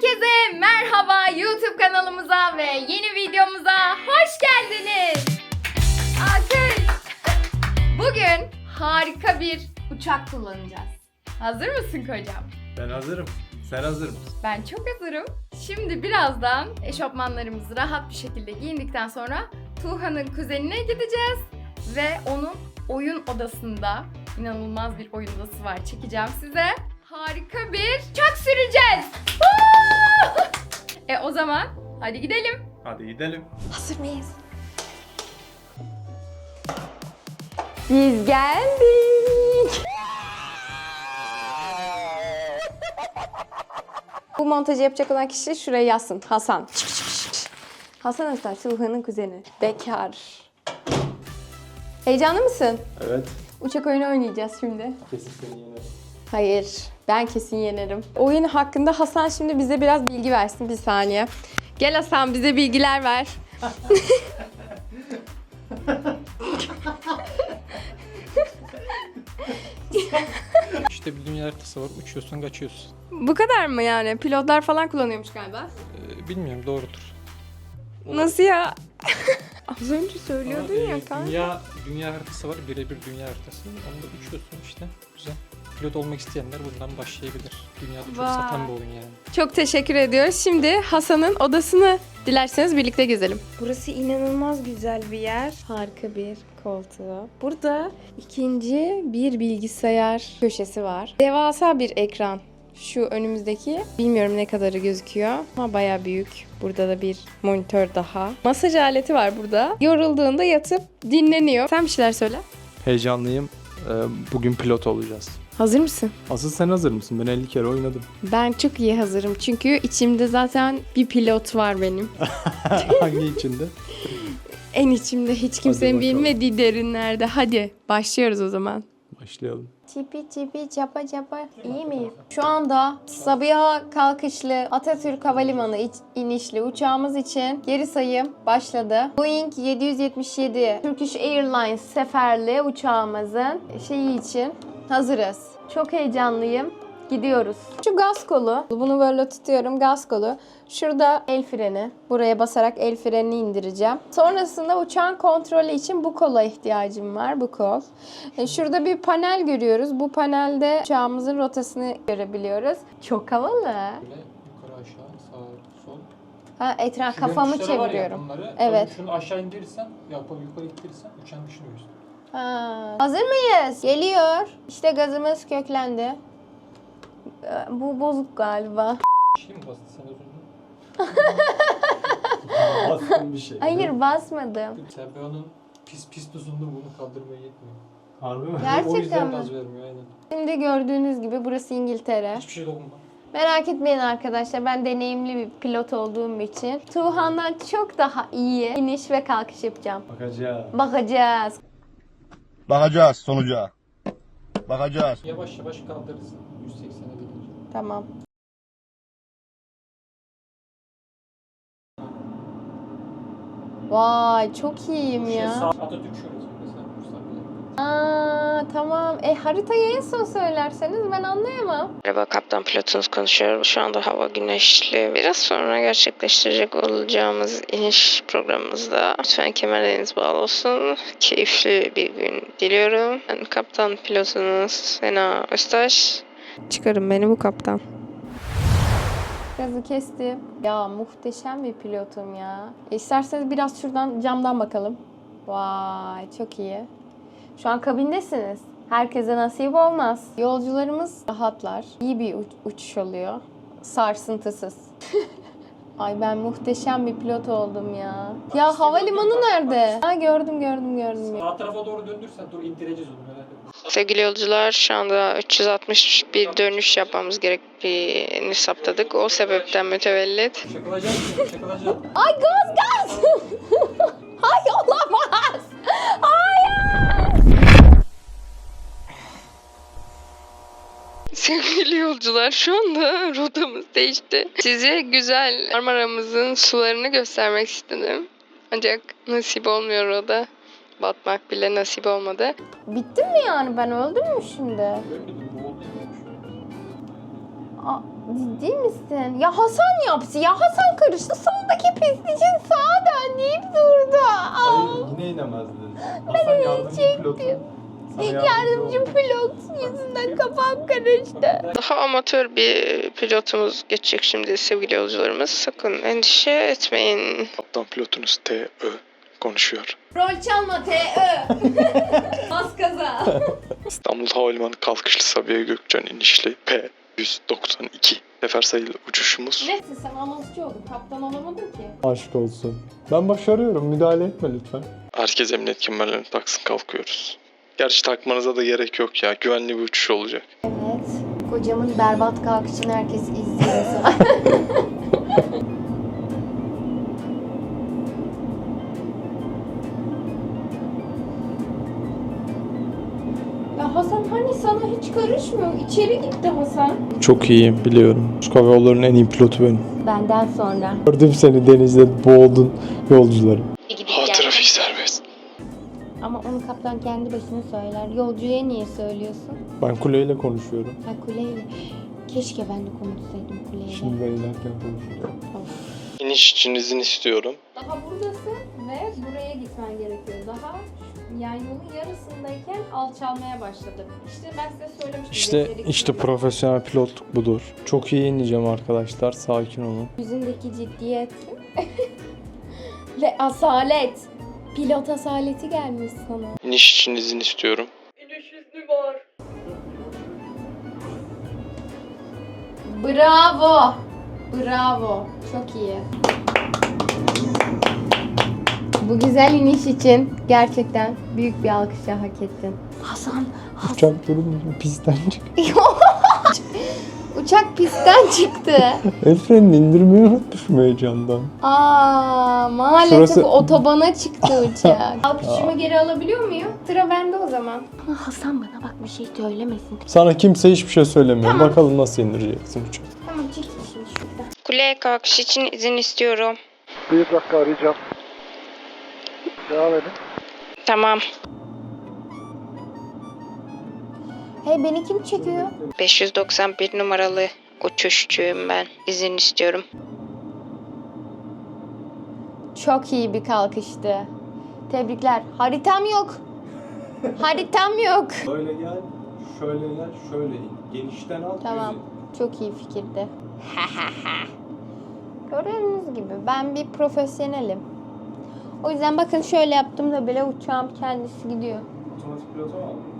Herkese merhaba, YouTube kanalımıza ve yeni videomuza hoş geldiniz. Alkış. Bugün harika bir uçak kullanacağız. Hazır mısın kocam? Ben hazırım. Sen hazır mısın? Ben çok hazırım. Şimdi birazdan eşofmanlarımızı rahat bir şekilde giyindikten sonra Tuğhan'ın kuzenine gideceğiz. Ve onun oyun odasında, inanılmaz bir oyun odası var, çekeceğim size. Harika bir uçak süreceğiz. O zaman hadi gidelim. Hadi gidelim. Hazır mıyız? Biz geldik. Bu montajı yapacak olan kişi şuraya yazsın. Hasan. Hasan Öztürk, Tuğhan'ın kuzeni. Bekar. Heyecanlı mısın? Evet. Uçak oyunu oynayacağız şimdi. Kesin seni yenerim. Hayır, ben kesin yenerim. Oyun hakkında Hasan şimdi bize biraz bilgi versin. Bir saniye. Gel Hasan, bize bilgiler ver. İşte bir dünya haritası var. Uçuyorsun, kaçıyorsun. Bu kadar mı yani? Pilotlar falan kullanıyormuş galiba. Bilmiyorum, doğrudur. Nasıl ya? Az önce söylüyordun Ama, ya kanka. dünya haritası var. Birebir dünya haritası. Onda uçuyorsun işte. Güzel. Pilot olmak isteyenler bundan başlayabilir. Dünyada çok Vay. satan bir oyun yani. Çok teşekkür ediyoruz. Şimdi Hasan'ın odasını dilerseniz birlikte gezelim. Burası inanılmaz güzel bir yer. Harika bir koltuğu. Burada ikinci bir bilgisayar köşesi var. Devasa bir ekran. Şu önümüzdeki, bilmiyorum ne kadarı gözüküyor ama bayağı büyük. Burada da bir monitör daha. Masaj aleti var burada. Yorulduğunda yatıp dinleniyor. Sen bir şeyler söyle. Heyecanlıyım. Bugün pilot olacağız. Hazır mısın? Asıl sen hazır mısın? Ben 50 kere oynadım. Ben çok iyi hazırım. Çünkü içimde zaten bir pilot var benim. Hangi içinde? En içimde, hiç kimsenin bakalım. bilmediği derinlerde. Hadi başlıyoruz o zaman. Başlayalım. Çipi çipi çapa çapa, iyi miyim? Şu anda Sabiha kalkışlı Atatürk Havalimanı inişli uçağımız için geri sayım başladı. Boeing 777 Turkish Airlines seferli uçağımızın şeyi için hazırız. Çok heyecanlıyım. Gidiyoruz. Şu gaz kolu. Bunu böyle tutuyorum, gaz kolu. Şurada el freni. Buraya basarak el frenini indireceğim. Sonrasında uçağın kontrolü için bu kola ihtiyacım var. Bu kol. Şurada bir panel görüyoruz. Bu panelde uçağımızın rotasını görebiliyoruz. Çok havalı. Böyle yukarı aşağı, sağ, sol. Ha, etraf Şu kafamı tuşları var ya, çeviriyorum. bunları, Evet. Şunu aşağı indirirsen, yukarı ittirirsen uçağın dışını göster. Ha. Hazır mıyız? Geliyor. İşte gazımız köklendi. Bu bozuk galiba. Şey mi bastın sen az önce? Bastım bir şey. Hayır, basmadım. Sabiha'nın pis tuzunda bunu kaldırmaya yetmiyor. Harbi mi? Gerçekten O yüzden mi? gaz vermiyor aynen. Şimdi gördüğünüz gibi burası İngiltere. Hiçbir şey dokunma. Merak etmeyin arkadaşlar, ben deneyimli bir pilot olduğum için Tuğhan'dan çok daha iyi iniş ve kalkış yapacağım. Bakacağız. Bakacağız. Bakacağız sonuca. Bakacağız. Yavaş yavaş kaldırırsın. 180'e gelince. Tamam. Vay, çok iyiyim ya. Atatürk şurası mesela. Tamam. Haritayı en son söylerseniz ben anlayamam. Merhaba, kaptan pilotunuz konuşuyor. Şu anda hava güneşli. Biraz sonra gerçekleştirecek olacağımız iniş programımızda lütfen kemerleriniz bağlı olsun. Keyifli bir gün diliyorum. Ben kaptan pilotunuz Sena Öztaş. Çıkarın beni bu kaptan. Gazı kestim. Ya muhteşem bir pilotum ya. İsterseniz biraz şuradan camdan bakalım. Vay, çok iyi. Şu an kabindesiniz. Herkese nasip olmaz. Yolcularımız rahatlar. İyi bir uçuş oluyor. Sarsıntısız. Ay, ben muhteşem bir pilot oldum ya. Ya havalimanı nerede? Ha, gördüm. Sağ tarafa doğru döndürsen dur indireceğiz onu merak etme. Sevgili yolcular, şu anda 360 bir dönüş yapmamız gerektiğini saptadık. O sebepten mütevellit. Çakılacak. Ay, gaz! Ay, olamaz! Hayır! Sevgili yolcular, şu anda rotamız değişti. Size güzel Marmara'mızın sularını göstermek istedim. Ancak nasip olmuyor o da. Batmak bile nasip olmadı. Bittim mi yani? Ben öldüm mü şimdi? Görmedim, bu oldu. Ciddi misin? Ya Hasan yaptı ya. Hasan karıştı. Soldaki pist için sağa döndü durdu. Hayır yine inemezdin. Hasan yardımcı pilotu. Sana Yardımcı pilot yüzünden kafam karıştı. Daha amatör bir pilotumuz geçecek şimdi sevgili yolcularımız. Sakın endişe etmeyin. Kaptan pilotunuz T.Ö. konuşuyor. Rol çalma T.Ö. Bas gaza. İstanbul Havalimanı kalkışlı Sabiha Gökçen inişli P-192 sefer sayılı uçuşumuz. Neyse sen anonsçu oldun. Kaptan olamadın ki. Aşk olsun. Ben başarıyorum. Müdahale etme lütfen. Herkes emniyet kemerlerini taksın, kalkıyoruz. Gerçi takmanıza da gerek yok ya. Güvenli bir uçuş olacak. Evet. Kocamın berbat kalkışını herkes izliyor. Ya Hasan hani sana hiç karışmıyor. İçeri gitti Hasan. Çok iyiyim biliyorum. Türk Hava Yolları'nın en iyi pilotu benim. Benden sonra. Gördüm seni denizde boğuldun yolcuları. Ha, trafik serbest. Ama onu kaptan kendi başına söyler. Yolcuya niye söylüyorsun? Ben kuleyle konuşuyorum. Ha kuleyle. Keşke ben de konuşsaydım kuleyle. Şimdi ben inerken konuşuyorum. Of. İniş için izin istiyorum. Daha buradasın ve buraya gitmen gerekiyor. Daha yani yolun yarısındayken alçalmaya başladı. İşte ben size söylemiştim. İşte profesyonel pilotluk budur. Çok iyi ineceğim arkadaşlar. Sakin olun. Yüzündeki ciddiyet ve asalet. Pilot asaleti gelmiş sana. İniş için izin istiyorum. Bravo. Bravo. Çok iyi. Bu güzel iniş için gerçekten büyük bir alkışa hak ettin. Hasan. Uçak durun pistten çık. Uçak pistten çıktı. El frenini indirmeyi unutmuşum heyecandan. Maalesef Şurası- otobana çıktı uçak. Alkışımı geri alabiliyor muyum? Sıra bende o zaman. Hasan bana bak bir şey söylemesin. Sana kimse hiçbir şey söylemiyor. Tamam. Bakalım nasıl indireceksin uçağı. Tamam çekil şimdi şuradan. Kuleye kalkış için izin istiyorum. Bir dakika arayacağım. Devam edin. Tamam. Hey beni kim çekiyor? 591 numaralı uçuşçuyum ben. İzin istiyorum. Çok iyi bir kalkıştı. Tebrikler. Haritam yok. Haritam yok. Böyle gel, şöyle gel, şöyle in. Genişten al, Tamam. Çok iyi fikirdi. Gördüğünüz gibi ben bir profesyonelim. O yüzden bakın şöyle yaptığımda bile uçağım kendisi gidiyor. Otomatik pilota mı aldın?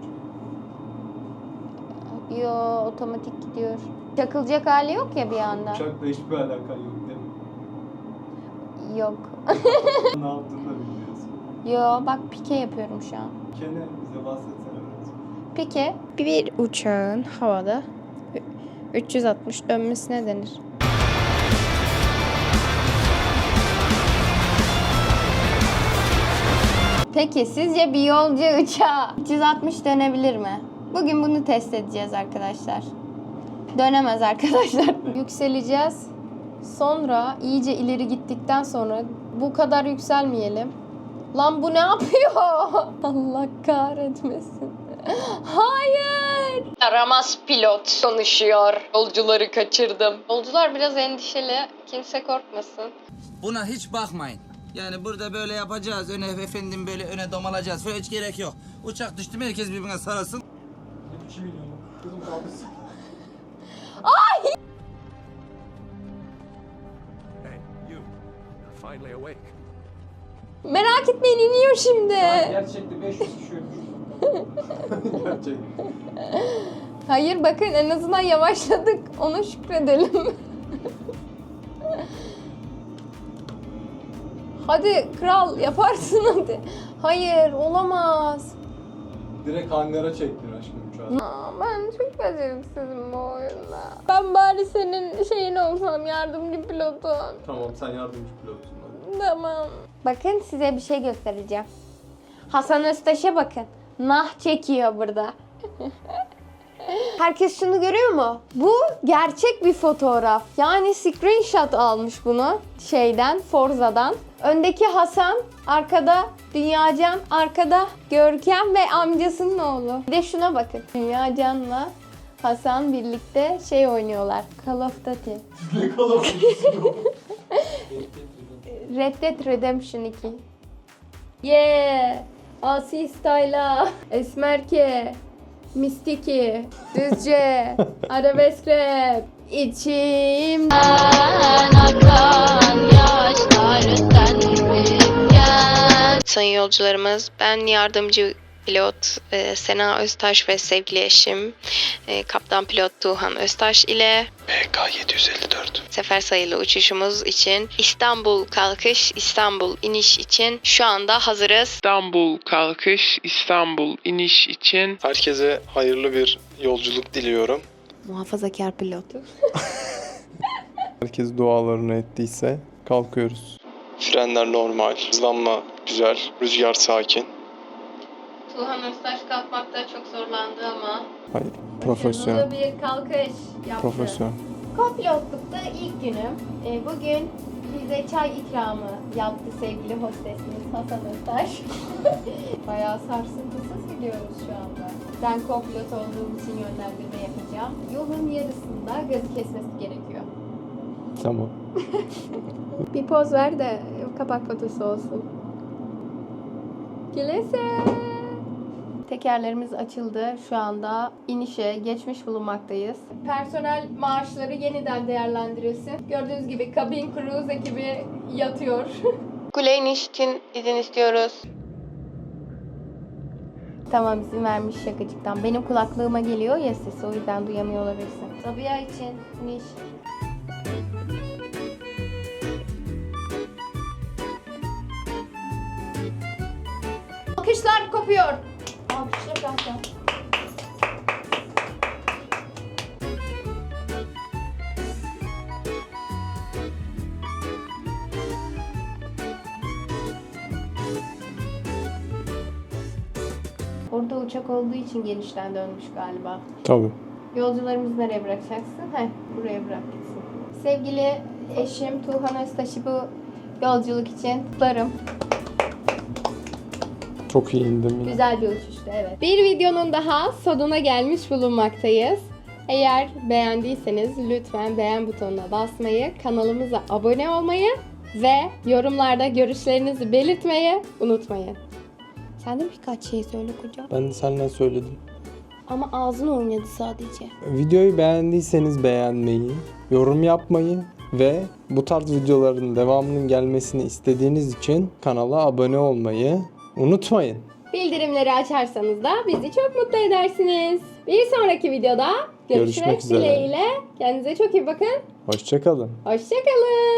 Yo otomatik gidiyor. Çakılacak hali yok ya bir anda. Uçakla hiçbir alakan yok değil mi? Yok. Ne yaptığını da bilmiyorsun. Yo bak pike yapıyorum şu an. Kene bize bahsetsene biraz. Pike bir uçağın havada 360 dönmesine denir. Peki sizce bir yolcu uçağı 360 dönebilir mi? Bugün bunu test edeceğiz arkadaşlar. Dönemez arkadaşlar. Yükseleceğiz. Sonra iyice ileri gittikten sonra bu kadar yükselmeyelim. Lan bu ne yapıyor? Allah kahretmesin. Hayır. Yaramaz pilot konuşuyor. Yolcuları kaçırdım. Yolcular biraz endişeli. Kimse korkmasın. Buna hiç bakmayın. Yani burada böyle yapacağız. Öne efendim böyle öne domalacağız. Böyle hiç gerek yok. Uçak düştü mü herkes birbirine sarılsın. 2 milyon. Kızım kalmışsın. Merak etmeyin iniyor şimdi. Gerçekten 500 kişi ölmüş. Gerçekten. Hayır bakın en azından yavaşladık. Ona şükredelim. Hadi kral yaparsın hadi. Hayır olamaz. Direkt hangara çektin aşkım uçağı. Ben çok beceriksizim bu oyunda. Ben bari senin şeyin olsam yardımcı pilotun. Tamam sen yardımcı pilotsun hadi. Tamam. Bakın size bir şey göstereceğim. Hasan Öztaş'a bakın. Nah çekiyor burada. Herkes şunu görüyor mu? Bu gerçek bir fotoğraf. Yani screenshot almış bunu Forza'dan. Öndeki Hasan, arkada Dünyacan, arkada Görkem ve amcasının oğlu. Bir de şuna bakın. Dünyacan'la Hasan birlikte şey oynuyorlar. Call of Duty. Red Dead Redemption 2. Yeah! Asi Style'a, Esmerke, Mistiki, Düzce, Arabesk Rap, İçimden akan yaşlar sensin. Sayın yolcularımız, ben yardımcı pilot Sena Öztaş ve sevgili eşim kaptan pilot Tuğhan Öztaş ile PK 754. sefer sayılı uçuşumuz için İstanbul kalkış, İstanbul iniş için şu anda hazırız. İstanbul kalkış, İstanbul iniş için Herkese hayırlı bir yolculuk diliyorum. Muhafazakar pilot. Herkes dualarını ettiyse kalkıyoruz. Frenler normal, hızlanma güzel, rüzgar sakin. Tuğhan Öztaş kalkmakta çok zorlandı ama Hayır, profesyonel. Hızlı bir kalkış yaptı. Profesyonel. Kopilotlukta ilk günüm. Bugün bize çay ikramı yaptı sevgili hostesimiz Hasan Öztaş. Bayağı sarsıntısız gidiyoruz şu anda. Ben kopilot olduğum için yönlendirme yapacağım. Yolun yarısında gazı kesmesi gerekiyor. Tamam. Bir poz ver de kapak fotosu olsun. Kilise. Tekerlerimiz açıldı. Şu anda inişe geçmiş bulunmaktayız. Personel maaşları yeniden değerlendirilsin. Gördüğünüz gibi kabin cruise ekibi yatıyor. kule iniş için izin istiyoruz. Tamam, izin vermiş şakacıktan. Benim kulaklığıma geliyor ya sesi, o yüzden duyamıyor olabilirsin. Sabiha için iniş. Alkışlar kopuyor. Alkışlar zaten. Orada uçak olduğu için genişten dönmüş galiba. Tabii. Yolcularımızı nereye bırakacaksın? Buraya bırak gitsin. Sevgili eşim Tuğhan Öztaş'ı bu yolculuk için kutlarım. Çok iyi indim yine. Güzel bir uçuştu, evet. Bir videonun daha sonuna gelmiş bulunmaktayız. Eğer beğendiyseniz lütfen beğen butonuna basmayı, kanalımıza abone olmayı ve yorumlarda görüşlerinizi belirtmeyi unutmayın. Sen de birkaç şey söyle kocam. Ben de senden söyledim. Ama ağzın oynadı sadece. Videoyu beğendiyseniz beğenmeyi, yorum yapmayı ve bu tarz videoların devamının gelmesini istediğiniz için kanala abone olmayı unutmayın. Bildirimleri açarsanız da bizi çok mutlu edersiniz. Bir sonraki videoda görüşmek Görüşmek üzere. dileğiyle. Kendinize çok iyi bakın. Hoşça kalın. Hoşça kalın.